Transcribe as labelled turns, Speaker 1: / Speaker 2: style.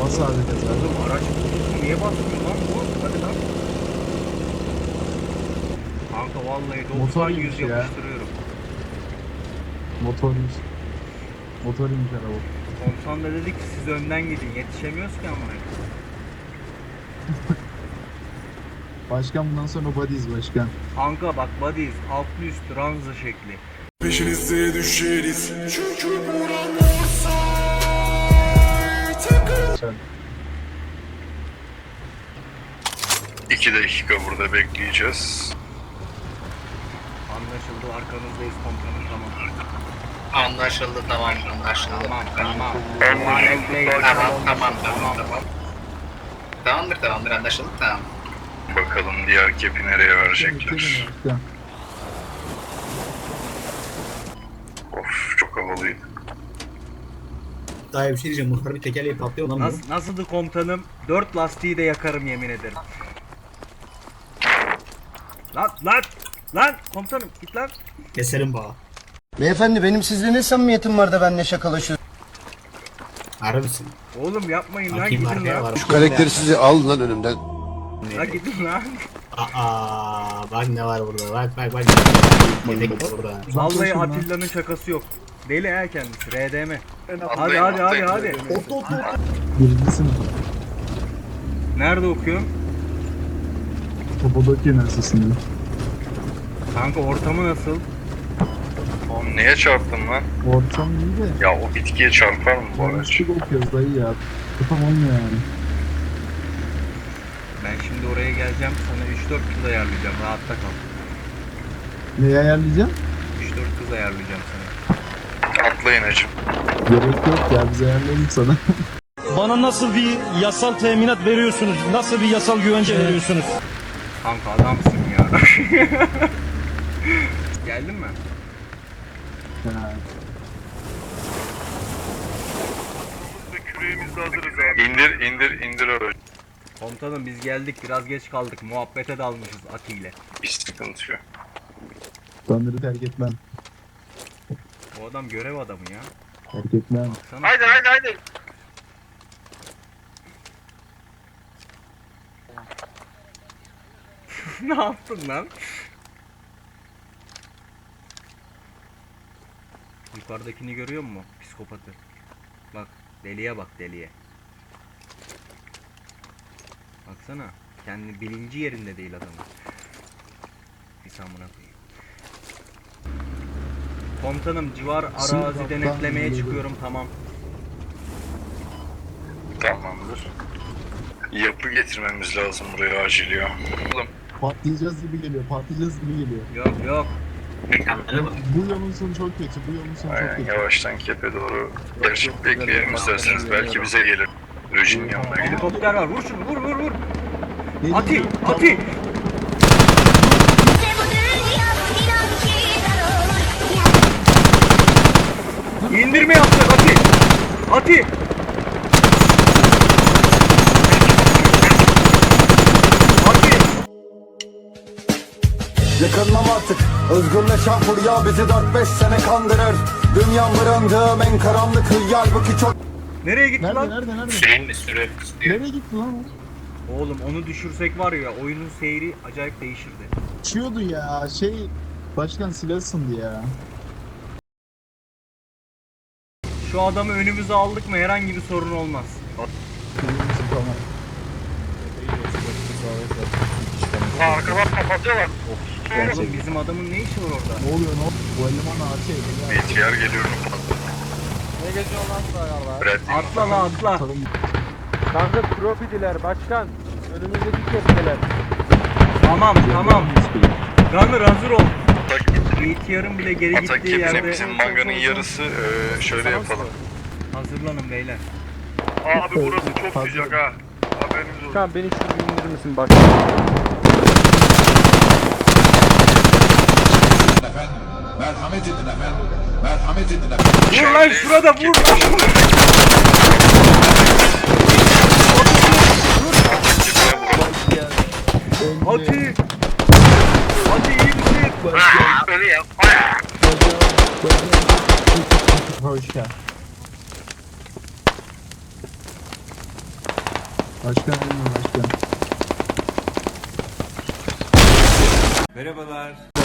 Speaker 1: Bas abi gaza.
Speaker 2: Oğlum araç bulduk, niye basmıyor lan bu? Hadi lan. Kanka vallahi 90-100
Speaker 1: Motoruymuş ya.
Speaker 2: yapıştırıyorum.
Speaker 1: Motormuş. Motoruymuş araba.
Speaker 2: Komutan da dedi ki siz önden gidin, yetişemiyoruz ki amına.
Speaker 1: Başkan bundan sonra body'yiz başkan.
Speaker 2: Kanka bak body'yiz, altlı üstü ranza şekli.
Speaker 3: Peşinize düşeriz. Çünkü
Speaker 1: Sen.
Speaker 4: 2 dakika burada bekleyeceğiz.
Speaker 2: Anlaşıldı, arkanızdayız komutanım, tamam.
Speaker 5: Anlaşıldı, tamam, anlaşıldı.
Speaker 2: Tamam, tamam.
Speaker 5: Tamam. Tamamdır, anlaşıldı, tamam.
Speaker 4: Bakalım diğer kepi nereye verecekler.
Speaker 1: Başkan.
Speaker 4: Of çok havalıydı.
Speaker 6: Daha bir şey diyeceğim. Muhtar bir tekerleği patlıyor lan bu.
Speaker 2: Nasıldı komutanım? 4 lastiği de yakarım yemin ederim. Lan komutanım git lan.
Speaker 6: Keserim bağı.
Speaker 7: Beyefendi benim sizle ne samimiyetim var da benimle şakalaşıyorsun?
Speaker 6: Harbisin.
Speaker 2: Oğlum yapmayın lan,
Speaker 6: Bakayım
Speaker 2: gidin
Speaker 6: arkaya
Speaker 2: lan.
Speaker 6: var.
Speaker 8: Karakteri sizi al lan önümden.
Speaker 2: Lan gidin lan.
Speaker 6: Bak ne var burada. Bak. Yedek var burada.
Speaker 2: Vallahi
Speaker 1: lan.
Speaker 2: Atilla'nın şakası yok. Deli ha kendisi, RDM.
Speaker 4: Atlayın, atlayın.
Speaker 2: Hadi.
Speaker 1: Birinci sınıf.
Speaker 2: Nerede okuyorsun?
Speaker 1: Topodaki Üniversitesi'nde.
Speaker 2: Kanka ortamı nasıl?
Speaker 4: Oğlum neye çarptın lan?
Speaker 1: Ortam iyi de.
Speaker 4: Ya o bitkiye çarpar mı bu araç?
Speaker 1: Yanlışlık okuyoruz dayı ya. Ortam olmuyor yani.
Speaker 2: Ben şimdi oraya geleceğim, sana 3-4 kız ayarlayacağım, rahatta kal.
Speaker 1: Neyi ayarlayacağım?
Speaker 2: 3-4 kız ayarlayacağım sana.
Speaker 4: Atlayın hacım.
Speaker 1: Gerek yok ya, biz ayarlayalım sana.
Speaker 9: Bana nasıl bir yasal teminat veriyorsunuz? Nasıl bir yasal güvence veriyorsunuz?
Speaker 2: Kanka adamsın ya. Geldin mi?
Speaker 1: Ha.
Speaker 4: Küreğimizde hazırız abi. İndir aracı.
Speaker 2: Komutanım biz geldik, biraz geç kaldık, muhabbete dalmışız Ati ile.
Speaker 4: Bir sıkıntı yok.
Speaker 1: Tanrı terk etmem.
Speaker 2: O adam görev adamı ya.
Speaker 1: Terk etmem.
Speaker 2: Sana
Speaker 4: Haydi.
Speaker 2: ne yaptın lan? Yukarıdakini görüyor musun? Psikopatı. Bak, deliye bak, deliye. Baksana, kendi bilinci yerinde değil adamın. Bir samına koyayım. Komutanım, civar arazi denetlemeye çıkıyorum, tamam.
Speaker 4: Tamamdır. Yapı getirmemiz lazım buraya acil ya. Oğlum
Speaker 1: Patlayacağız gibi geliyor, patlayacağız gibi geliyor.
Speaker 2: Yok.
Speaker 1: Bu yolun sonu çok kötü, bu yolun sonu çok
Speaker 4: aynen
Speaker 1: kötü.
Speaker 4: yavaştan kepe doğru. Gerçi bekleyelim isterseniz. Belki bize gelir. Rejinin yanına gidelim.
Speaker 2: Helikopter var, vur şunu, vur.
Speaker 1: Ne
Speaker 2: Ati,
Speaker 1: diyeyim?
Speaker 2: Ati! İndirme yapacak Ati! Ati! Ati!
Speaker 7: Yakınmam artık özgürleşen furya bizi 4-5 sene kandırır. Dünya bırındığım en karanlık hıyal bu ki çok.
Speaker 2: Nereye gitti
Speaker 1: Nerede,
Speaker 2: lan?
Speaker 1: nerede?
Speaker 5: Sürenin mi süre istiyor?
Speaker 1: Nereye gitti lan o?
Speaker 2: Oğlum onu düşürsek var ya, oyunun seyri acayip değişirdi.
Speaker 1: Uçuyordu ya, başkan silah ısındı ya.
Speaker 2: Şu adamı önümüze aldık mı herhangi bir sorun olmaz.
Speaker 1: Tamam.
Speaker 4: Arkadan kapatıyorlar.
Speaker 2: Oğlum bizim adamın ne işi var orada?
Speaker 1: Ne oluyor, ne oluyor? Bu eleman AT.
Speaker 4: BTR geliyorum.
Speaker 10: Ne geziyor lan sayarlar?
Speaker 4: Brad
Speaker 2: Atla la atla.
Speaker 10: Kanka kropidiler başkan. Önümüzdeki kepteler.
Speaker 2: Tamam. Gunner hazır ol.
Speaker 4: Atak,
Speaker 2: BTR'ın bile geri
Speaker 4: atak
Speaker 2: gittiği
Speaker 4: kepine
Speaker 2: yerde
Speaker 4: bizim manganın yarısı şöyle yapalım.
Speaker 2: hazırlanın beyler.
Speaker 4: Abi burası çok sıcak ha. Haberiniz olsun.
Speaker 10: Başkan beni şu bir indirir misin başkan?
Speaker 3: merhamet edin efendim. Merhamet edin efendim.
Speaker 2: Vur lan şurada vur. Ati. Ati iyi misin?
Speaker 1: Hoş geldin. Başkan ölmüyor başkan.
Speaker 2: Merhabalar.